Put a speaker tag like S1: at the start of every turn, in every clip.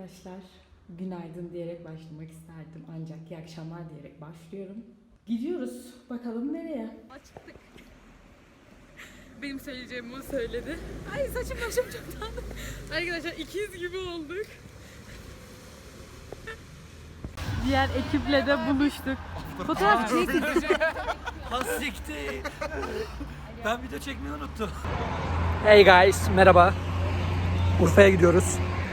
S1: arkadaşlar. Günaydın diyerek başlamak isterdim ancak iyi akşamlar diyerek başlıyorum. Gidiyoruz. Bakalım nereye? Çıktık. Benim söyleyeceğimi o söyledi. Ay saçım başım çok tatlı. Arkadaşlar ikiz gibi olduk. Diğer ekiple de buluştuk. Fotoğraf çektik.
S2: Hasikti. Ben video çekmeyi unuttum.
S3: Hey guys, merhaba. Urfa'ya gidiyoruz.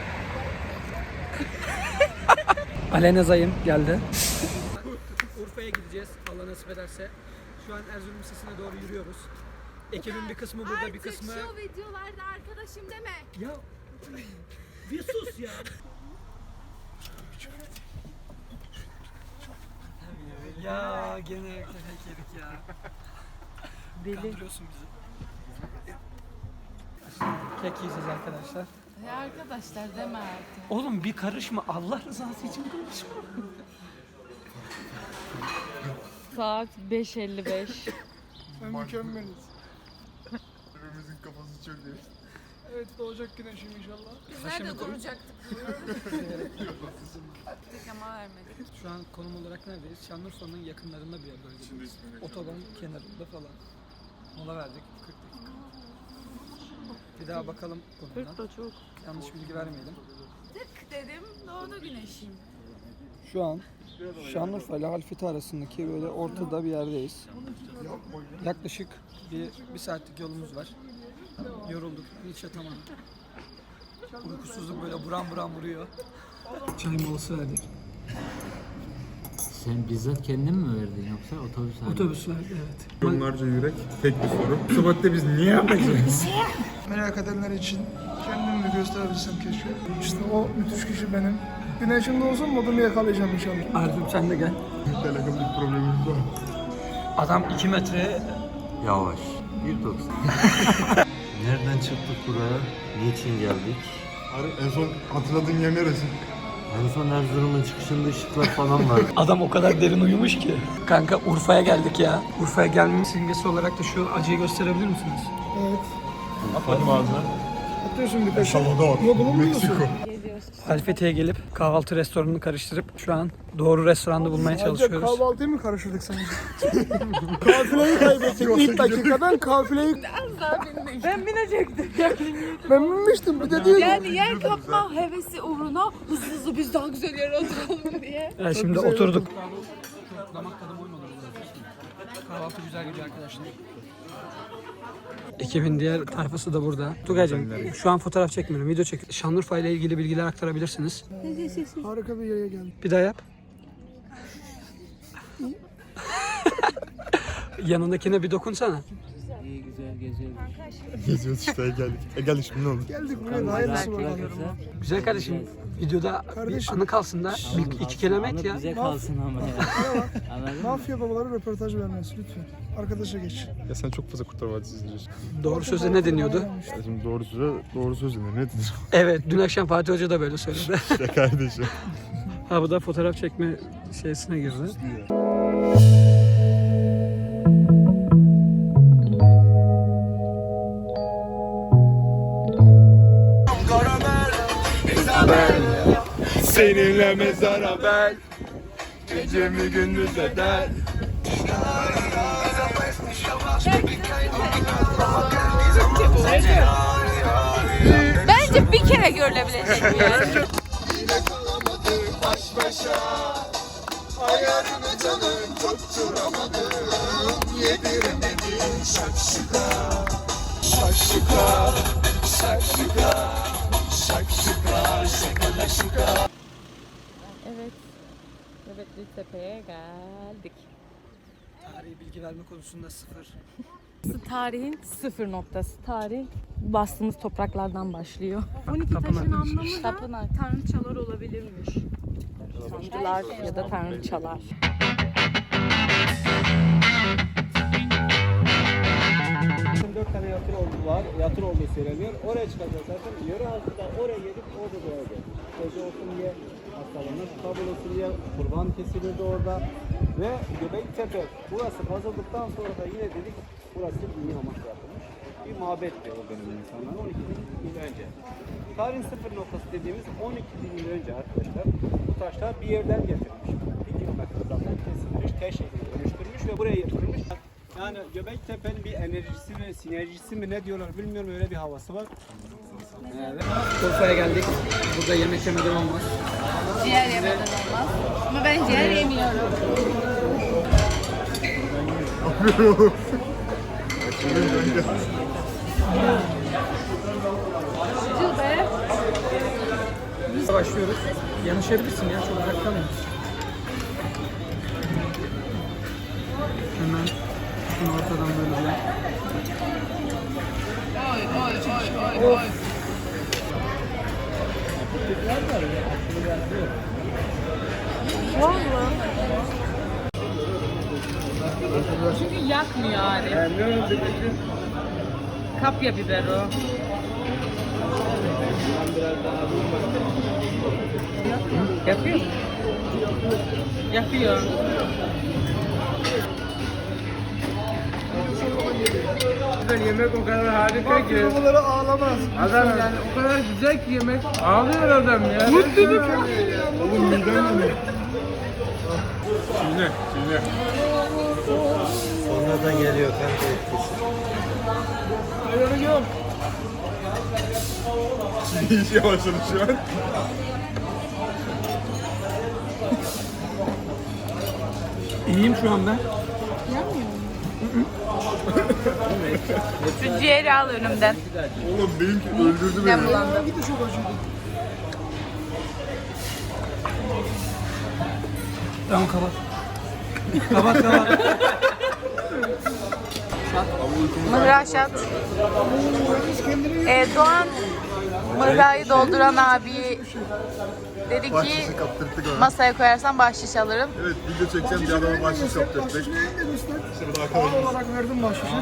S3: Aleyna Zayım geldi. Urfa'ya gideceğiz Allah nasip ederse. Şu an Erzurum Lisesi'ne doğru yürüyoruz. Ekibin bir kısmı burada, bir kısmı...
S4: Artık şu videolarda arkadaşım deme.
S3: Ya bir sus ya. Ya gene kek yedik ya.
S1: Deli.
S3: Kandırıyorsun bizi. Kek yiyeceğiz arkadaşlar.
S4: Ya arkadaşlar deme artık.
S3: Oğlum bir karışma. Allah rızası için karışma.
S1: Saat 5:55.
S5: Mükemmeliz. Hepimizin kafası çok iyi. Evet doğacak güneşim inşallah.
S4: Biz nerede duracaktık? Tek ama vermedik.
S3: Şu an konum olarak neredeyiz? Şanlıurfa'nın yakınlarında bir yer böyle. Otoban kenarında falan. Mola verdik 40 dakika. Bir daha bakalım konumdan.
S1: 40 da çok.
S3: Yanlış bilgi vermeyelim.
S4: Tık dedim doğdu güneşim.
S3: Şu an Şanlıurfa ile Halfeti arasındaki böyle ortada bir yerdeyiz. Yaklaşık bir saatlik yolumuz var. Yorulduk, hiç yatamadık. Uykusuzluk böyle buram buram vuruyor. Çay molası verdik.
S2: Sen bizzat kendin mi verdin yoksa otobüs abi?
S3: Otobüs verdi, evet.
S5: Milyonlarca yürek, tek bir soru. Bu saatte biz niye yapacağız? Merak edenler için kendimi gösterebilsem keşke. İşte o müthiş kişi benim. Güneşim doğsun modumu yakalayacağım inşallah.
S3: Arzu'm sen de gel.
S5: Telefon bir problemimiz var.
S3: Adam 2 metre.
S2: Yavaş. 1.90. Nereden çıktık buraya? Niçin geldik?
S5: En son hatırladığın yer neresi?
S2: En son Erzurum'un çıkışında ışıklar falan var.
S3: Adam o kadar derin uyumuş ki. Kanka Urfa'ya geldik ya. Urfa'ya gelmemin simgesi olarak da şu acıyı gösterebilir misiniz?
S5: Evet. Atmadım ağzına. Atıyorsun bir kaşık. Salvador, Meksiko.
S3: Halfeti'ye gelip kahvaltı restoranını karıştırıp şu an doğru restoranı bulmaya çalışıyoruz.
S5: Kahvaltıyı mı karıştırdık sence? Kafileyi kaybettik ilk dakikadan kafileyi...
S4: Ben binecektim.
S5: Ben binmiştim bir de diyor.
S4: Yani yer kapma hevesi uğruna hızlı biz daha güzel yere oturalım diye.
S3: Yani şimdi oturduk. Damak tadım oyun olur. Kahvaltı güzel gidiyor arkadaşlar. Ekibin diğer tayfası da burada. Tugay'cığım şu an fotoğraf çekmiyorum, video çekiyorum. Şanlıurfa ile ilgili bilgiler aktarabilirsiniz.
S5: Harika bir yere geldik.
S3: Bir daha yap. Yanındakine bir dokunsana.
S2: İyi güzel geziyoruz.
S5: Geziyoruz işte geldik. Geldik şimdi ne oldu? Geldik buraya hayırlısı var.
S3: Güzel kardeşim, videoda bir anı kalsın da bir iki kelime et ya.
S2: Bize kalsın ama ya. Anladın mı?
S5: Mafya babaları röportaj vermesi lütfen. Arkadaşa geç.
S6: Ya sen çok fazla Kurtlar Vadisi izliyorsun.
S3: Doğru söze ne deniyordu?
S6: Ya şimdi doğru söz denir. Ne denir?
S3: Evet, dün akşam Fatih Hoca da böyle söyledi.
S6: Ya kardeşim.
S3: Ha bu da fotoğraf çekme şeysine girdi.
S6: Seninle mezara ben. Gecemi gündüz eder.
S4: Bence bir kere görülebilecek bir yer.
S6: Baş başa. Ayarını canım tutturamadım. Yediremedim şakşuka. Şakşuka. Şakşuka. Şakşuka. Şakalaşuka.
S1: Evet. Nöbetli Tepe'ye geldik.
S3: Tarihi bilgi verme konusunda sıfır.
S1: Tarihin sıfır noktası. Tarih bastığımız topraklardan başlıyor. 12
S3: Tapınak.
S1: taşın anlamı da tanrıçalar olabilirmiş. Tanrılar ya da tanrıçalar.
S7: Dört tane yatır olduğu söyleniyor. Oraya çıkacağız zaten. Yöre halkından oraya gelip orada doğacağız. Gece olsun diye, hastalanır, kabul olsun diye kurban kesilirdi orada. Ve Göbektepe, burası kazıldıktan sonra da yine dedik, burası dini amaçla yapılmış. bir mabetti o dönemin insanlar 12 bin yıl önce. Tarihin sıfır noktası dediğimiz 12 bin yıl önce arkadaşlar bu taşlar bir yerden getirilmiş. 1 kilometre uzaktan kesilmiş, taş şekline dönüştürmüş ve buraya yatırılmış. Yani Göbektepe'nin bir enerjisi ve sinerjisi mi ne diyorlar bilmiyorum, öyle bir havası var. Evet.
S3: Urfa'ya geldik. Burada yemek yemeden olmaz.
S4: Ciğer yemeden olmaz. Ama ben ciğer yemiyorum. Acı be.
S3: Başlıyoruz. Yanaşabilirsin ya, çok uzak kalmayın. Hemen şunu ortadan böyle bir.
S1: Çünkü yakmıyor yani. Kapya biber o. Yapıyor. Yapıyor.
S5: Yemek o kadar harika ki.
S3: Bunları ağlamaz.
S5: Adam yani o kadar güzel ki yemek. Ağlıyor adam ya. Mutluluk. Oğlum midem mi? Şimdi.
S2: Sonradan geliyor kanka etkisi.
S5: Ayarı yok. İyice başladı şu an.
S3: İyiyim şu an ben.
S4: Şu ciğeri al önümden.
S5: Oğlum benimki öldürdü beni.
S4: Ben bulandım.
S3: Tamam kapat. Kapat.
S4: Mıhraşat. Doğan mıhrayı dolduran abi dedi ki
S5: Bahşişi kaptırdık ona.
S4: masaya koyarsan bahşiş alırım.
S5: Evet video çekeceğim bir adama bahşiş kaptırdık. Şurada
S3: Doğal
S5: arkadaşımız.
S3: olarak verdim bahşişi.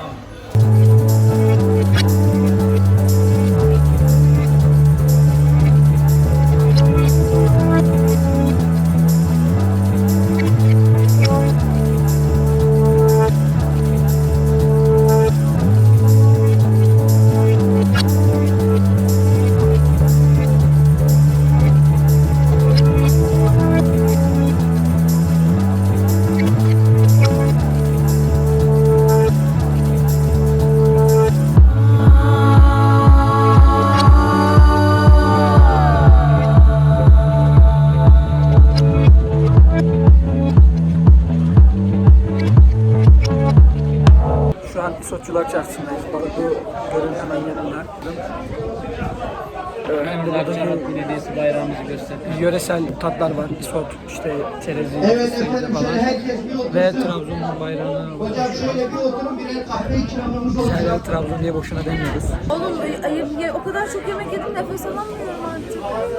S3: Şu an İsotçular Çarşısı'ndayız. Balıklı Göl'ün hemen yanında. Burada
S7: Belediyesi bayrağımızı gösterdi.
S3: yöresel tatlar var. İsot, işte çerezi,
S8: Evet
S3: fıstığı
S8: efendim,
S3: falan.
S8: şöyle herkes bir otursun.
S3: Ve Trabzon'un bayrağını
S8: Hocam şöyle bir oturun, birer kahve ikramımız olacak.
S3: hala Trabzon diye boşuna demiyoruz.
S4: Oğlum o kadar çok yemek yedim nefes alamıyorum artık.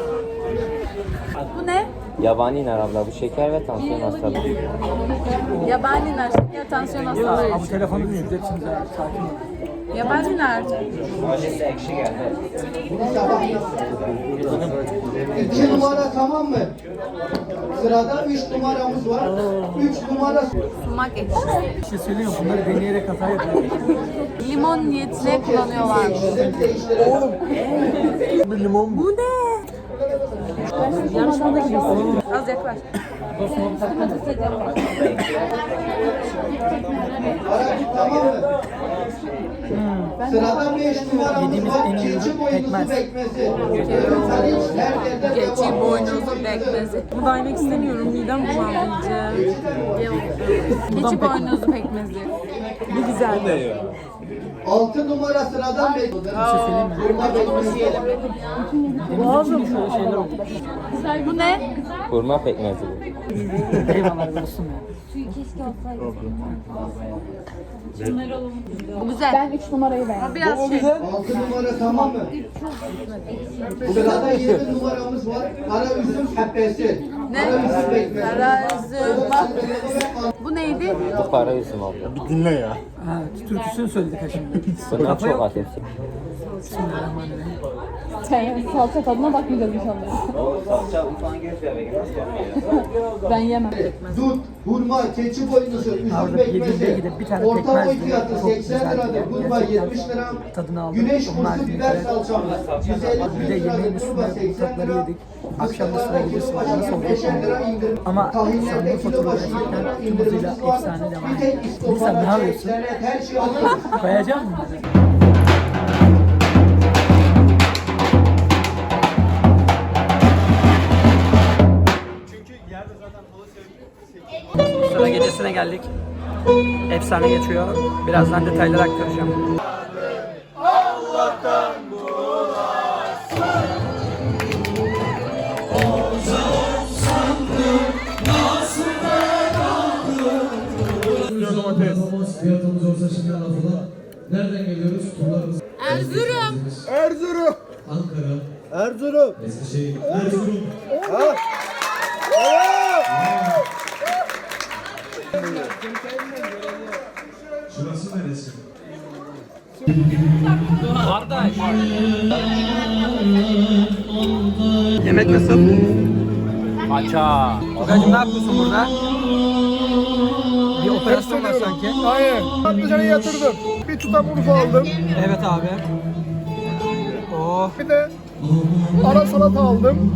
S4: Bu ne?
S9: Yabani nar abla, bu şeker ve tansiyon hastalığı.
S4: Yabani nar, şeker, tansiyon hastalığı.
S3: Ama telefonu dinleyeceksiniz ya, sakin olun.
S4: Yabani nar.
S8: Bunu sabah 2 numara tamam mı? Sırada 3 numaramız var. 3 numara
S4: Sumak ekşisi.
S3: Bir şey söyleyeyim mi? Bunları deneyerek hata yapıyoruz.
S4: Limon niyetine kullanıyorlarmış.
S3: Bu limon
S4: Bu ne? Yarışmada gibisin. Az yaklaş.
S8: tamam mı? Sırada 5 numaramız var. Keçi boynuzu pekmezi. Her yerde
S4: Keçi boynuzlu pekmezi. Bunu da yemek istemiyorum. Midem bulandı iyice. Keçi boynuzlu pekmezi. Bu güzel.
S8: 6 numara sıradan 5.
S4: Bu ne?
S9: Hurma pekmezi bu.
S3: eyvallah olsun ya.
S4: Bu güzel. Ben 3 numarayı beğendim. Biraz şey.
S8: 6 numara tamam mı? Sırada 7 numaramız var. Kara üzüm pepesi.
S4: Ne?
S8: Kara üzüm pekmezi.
S4: Kara üzüm. Bak. Bu neydi?
S9: Bu para üzüm abla.
S5: Dinle ya.
S3: Ha, türküsünü söyledik ha şimdi.
S9: Bunlar
S3: Kafa
S9: çok
S3: yok.
S9: hafif.
S4: Sen salça tadına bakmayacağız inşallah.
S7: Salça falan gelirse eve nasıl bakıyor?
S4: Ben yemem.
S8: Dut, hurma, keçi boynuzu, üzüm pekmezi. Orta boy fiyatı 80 liradır. Hurma 70 lira. Güneş kursu biber salçamız 150 liradır. Turba 80 lira. Akşam da sıra gidiyorsun. 5'er lira indirim. Ama tahinlerde kilo başı 20 lira indirimimiz var. Bir tek istofa, internet, her şey alıyoruz.
S3: Koyacak mısın? Sıra gecesine geldik. Efsane geçiyor. Birazdan detayları aktaracağım.
S6: Fiyatımız olsa şimdi lafına. Nereden geliyoruz? Turlarımız.
S5: Erzurum.
S6: Ankara. Erzurum. Eskişehir. Erzurum. Şurası neresi?
S3: Kardeş. Yemek nasıl? Maça. Tugay'cım ne yapıyorsun burada? Bir operasyon var sanki.
S5: Hayır. Patlıcanı yatırdım. Bir tutam urfa aldım.
S3: Evet abi. Oh.
S5: Bir de ara salata aldım.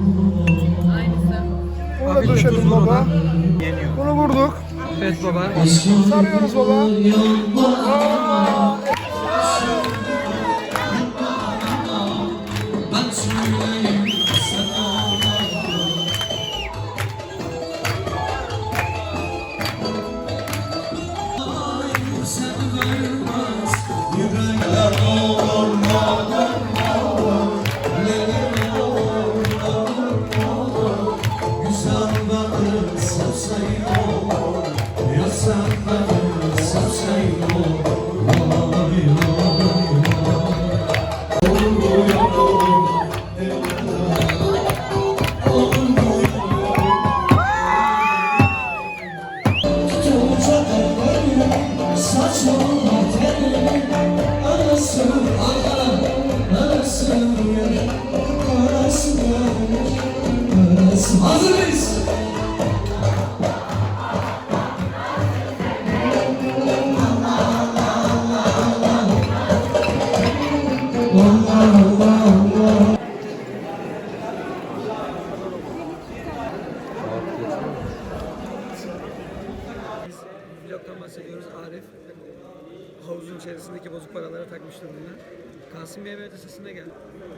S5: Bunu da döşedim baba. Bunu vurduk.
S3: Evet baba.
S5: Sarıyoruz baba.
S6: Hazır mıyız?
S3: Vlogdan bahsediyoruz. Arif havuzun içerisindeki bozuk paralara takmıştı bunu. Kasım Bey Medresesi'ne geldi.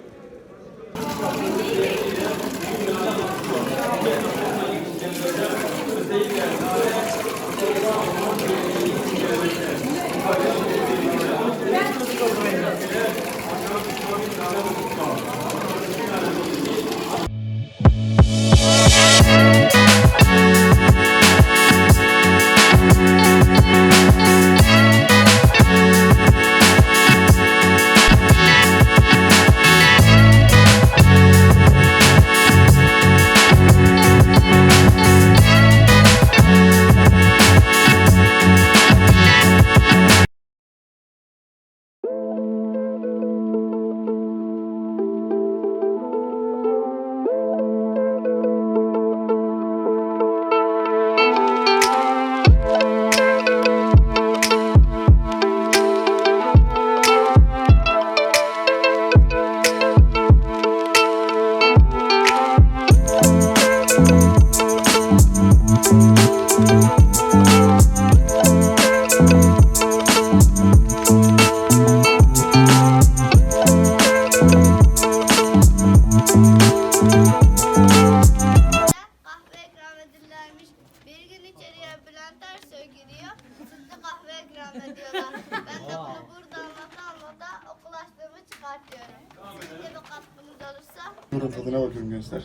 S10: Kahve ikram edilirmiş. Bir gün içeriye Bülent Ersoy giriyor. Sütlü kahve ikram ediyorlar. Ben de bunu burada anlata okul açlığımı çıkartıyorum. Sizin de bir katkınız olursa.
S5: Bunun tadına bakıyorum gençler.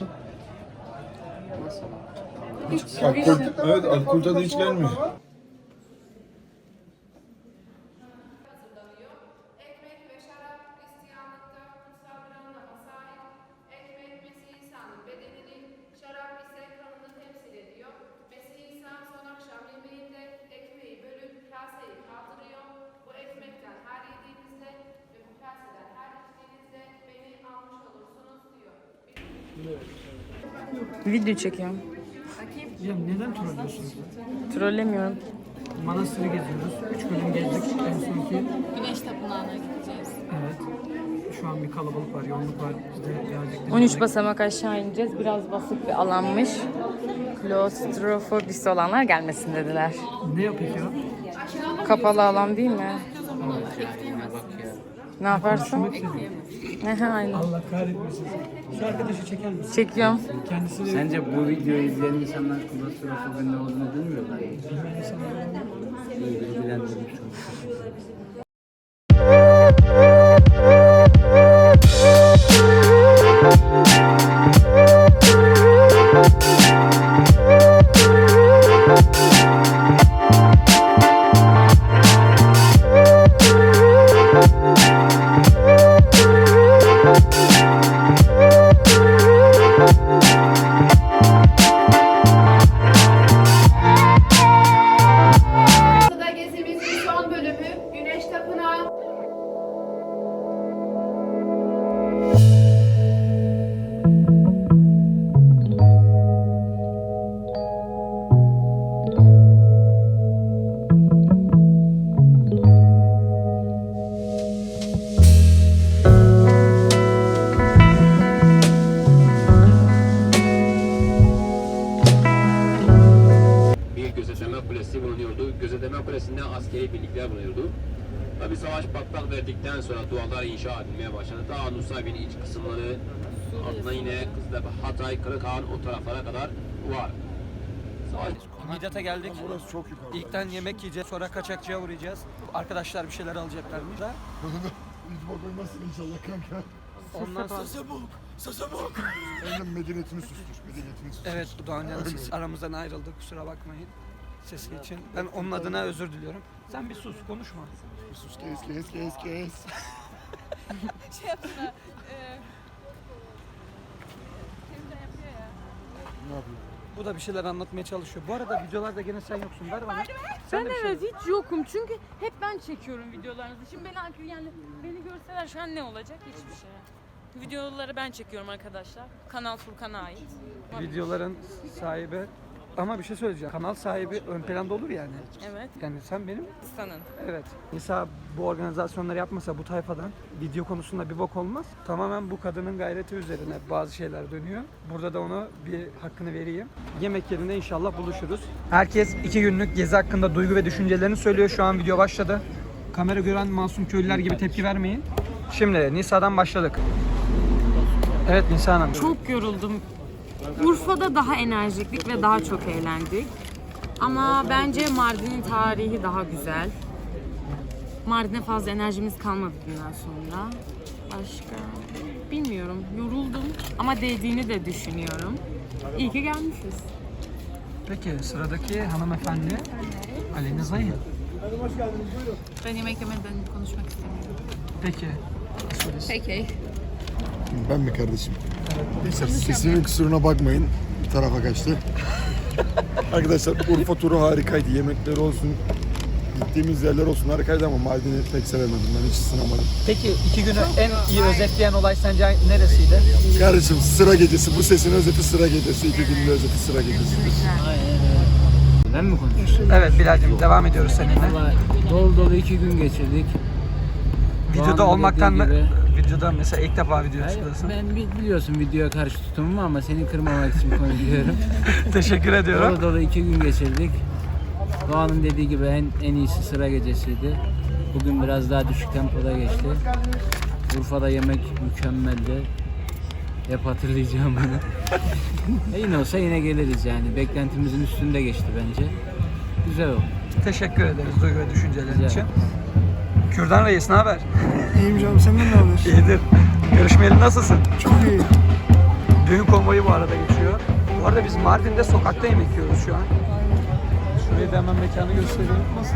S5: Evet, alkol tadı hiç gelmiyor.
S11: Ekmek ve şarap Hristiyanlıkta kutsal bir anlama sahip. Ekmek Mesih İsa'nın bedenini, şarap ise kanını temsil ediyor. Mesih İsa son akşam yemeğinde ekmeği bölüp kaseyi kaldırıyor. Bu ekmekten her yediğinizde ve bu kaseden her içtiğinizde
S4: Video çekiyorum.
S3: Ya neden trollüyorsunuz?
S4: Trollemiyorum.
S3: Manastırı geziyoruz. 3 bölüm gezdik en sonki.
S4: Güneş Tapınağı'na gideceğiz.
S3: Evet. Şu an bir kalabalık var, yoğunluk var. Biz de gelecek.
S4: 13 basamak aşağı ineceğiz. Biraz basık bir alanmış. Klostrofobisi olanlar gelmesin dediler.
S3: Ne yapıyor ki o?
S4: Kapalı alan değil mi? Ne yaparsın? Aynen.
S3: Allah kahretmesin. Şu arkadaşı çeker misin?
S4: Çekiyorum.
S3: Kendisi de...
S7: Sence bu videoyu izleyen insanlar klostrofobinin ne olduğunu bilmiyorlar. Bilgilendirmiş
S11: Da gezimizin son bölümü Güneş Tapınağı.
S12: Bir gözetleme kulesi bulunuyordu. Gözetleme kulesinde askeri birlikler bulunuyordu. Tabi savaş patlak verdikten sonra duvarlar inşa edilmeye başladı. Ta Nusaybin iç kısımları, altına yine Kızıltepe, Hatay, Kırıkhan o taraflara kadar var. Savaş
S3: Midyat'a geldik.
S5: Burası çok yukarı.
S3: İlkten yemek yiyeceğiz, sonra kaçakçıya uğrayacağız. Arkadaşlar bir şeyler alacaklarmış da.
S5: YouTube'a koymazsın inşallah kanka.
S3: Ondan sonra...
S5: Sasa bak. Benim medeniyetini sustur.
S3: Evet, Doğan Can siz aramızdan ayrıldı, kusura bakmayın sesi için. Ben onun adına özür diliyorum. Sen bir sus, konuşma.
S5: Bir sus, kes.
S11: Şey yapsana.
S5: Ne yapayım?
S3: Bu da bir şeyler anlatmaya çalışıyor. Bu arada videolarda gene sen yoksun, ver bana.
S4: Ben
S3: de bir şey
S4: evet hiç yokum çünkü hep ben çekiyorum videolarınızı. Şimdi beni görseler şu an ne olacak? Hiçbir şey. Videoları ben çekiyorum arkadaşlar. Kanal Furkan'a ait.
S3: Videoların sahibi ama bir şey söyleyeceğim. Kanal sahibi ön planda olur yani.
S4: Evet.
S3: Yani sen benim.
S4: Sanın.
S3: Evet. Nisa bu organizasyonları yapmasa bu tayfadan video konusunda bir bok olmaz. Tamamen bu kadının gayreti üzerine bazı şeyler dönüyor. Burada da ona bir hakkını vereyim. Yemek yerinde inşallah buluşuruz. Herkes 2 günlük gezi hakkında duygu ve düşüncelerini söylüyor. Şu an video başladı. Kamera gören masum köylüler gibi tepki vermeyin. Şimdi Nisa'dan başladık. Evet Nisa Hanım.
S4: Çok yoruldum. Urfa'da daha enerjiklik ve daha çok eğlendik. Ama bence Mardin'in tarihi daha güzel. Mardin'e fazla enerjimiz kalmadı bundan sonra. Başka bilmiyorum. Yoruldum ama değdiğini de düşünüyorum. İyi ki gelmişiz.
S3: Peki sıradaki hanımefendi Aleyna Zayı.
S4: Ben yemek yemeden konuşmak istemiyorum.
S3: Peki.
S4: Peki.
S5: Ben mi kardeşim? Neyse sesimin kusuruna bakmayın. Bir tarafa kaçtı. Arkadaşlar Urfa turu harikaydı. Yemekleri olsun, gittiğimiz yerler olsun harikaydı ama Mardin'i pek sevemedim. Ben hiç ısınamadım.
S3: Peki 2 günü en iyi özetleyen olay sence neresiydi?
S5: Kardeşim sıra gecesi. Bu sesin özeti sıra gecesi. 2 günün özeti sıra gecesi.
S7: Ben mi konuşuyorum?
S3: Evet Bilal'cim devam ediyoruz seninle.
S7: Dolu dolu 2 gün geçirdik.
S3: Videoda
S7: Doğan'ın
S3: olmaktan
S7: dediği gibi-
S3: videoda mesela ilk defa video çıkıyorsun.
S7: Ben biliyorsun videoya karşı tutumum ama seni kırmamak için konuşuyorum.
S3: Teşekkür ediyorum.
S7: Dolu dolu 2 gün geçirdik. Doğan'ın dediği gibi en iyisi sıra gecesiydi. Bugün biraz daha düşük tempoda geçti. Urfa'da yemek mükemmeldi. Hep hatırlayacağım bunu. Yine olsa yine geliriz yani. Beklentimizin üstünde geçti bence. Güzel oldu.
S3: Teşekkür ederiz duygu ve düşüncelerin
S7: Rica
S3: için.
S7: ederim.
S3: Kürdan Reis ne haber?
S5: İyiyim canım. Senden ne haber?
S3: İyidir. Görüşmeyeli nasılsın?
S5: Çok iyi.
S3: Düğün konvoyu bu arada geçiyor. Bu arada biz Mardin'de sokakta yemek yiyoruz şu an. Şurayı da hemen mekanı göstereyim.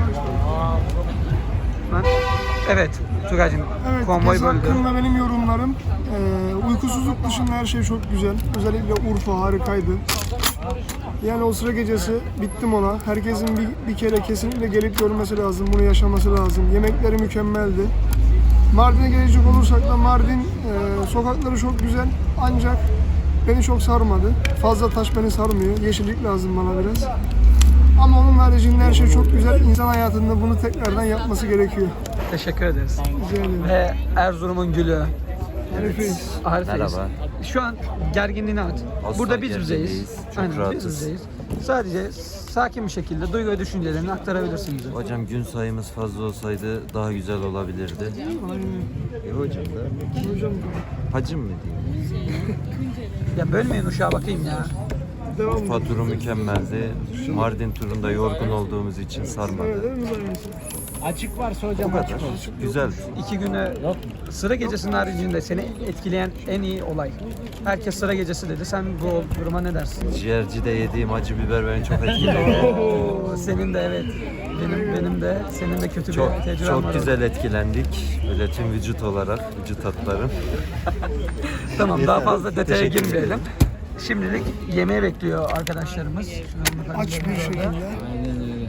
S3: Evet Tugay'cığım
S5: Evet,
S3: konvoy
S5: gezi
S3: böldü.
S5: hakkında benim yorumlarım. Uykusuzluk dışında her şey çok güzel. Özellikle Urfa harikaydı. Yani o sıra gecesi bittim ona. Herkesin bir kere kesinlikle gelip görmesi lazım. Bunu yaşaması lazım. Yemekleri mükemmeldi. Mardin'e gelecek olursak da Mardin sokakları çok güzel. Ancak beni çok sarmadı. Fazla taş beni sarmıyor. Yeşillik lazım bana biraz. Ama onun haricinde her şey çok güzel. İnsan hayatında bunu tekrardan yapması gerekiyor.
S3: Teşekkür ederiz.
S5: Rica ederim.
S3: Ve Erzurum'un gülü.
S5: Harikayız.
S3: Harikayız.
S2: Merhaba.
S3: Şu an gerginliğini at.
S2: Asla
S3: Burada biz
S2: gergin
S3: bizeyiz.
S2: değiliz. Çok
S3: Aynen, biz
S2: rahatız.
S3: bizeyiz. Sadece sakin bir şekilde duygu ve düşüncelerini aktarabilirsin bize.
S2: Hocam gün sayımız fazla olsaydı daha güzel olabilirdi. Hocam da.
S5: Hocam
S2: Hacım mı diyeyim?
S3: Ya bölmeyin uşağa bakayım ya.
S5: devam
S2: Urfa turu mükemmeldi. Mardin turunda yorgun olduğumuz için sarmadı.
S7: Açık varsa
S2: Bu
S7: hocam
S2: kadar. Güzeldi.
S3: 2 güne sıra gecesinin haricinde seni etkileyen en iyi olay. Herkes sıra gecesi dedi. Sen bu duruma ne dersin?
S2: Ciğercide yediğim acı biber beni çok etkiledi.
S3: Oo, senin de evet. Benim de senin de kötü
S2: Çok
S3: bir tecrüben var.
S2: çok güzel etkilendik. Böyle tüm vücut olarak, vücut hatlarım.
S3: Tamam daha fazla detaya
S2: Teşekkür
S3: girmeyelim.
S2: ederim.
S3: Şimdilik yemeğe bekliyor arkadaşlarımız. Şu an
S5: aç bir şekilde.
S7: Aynen öyle.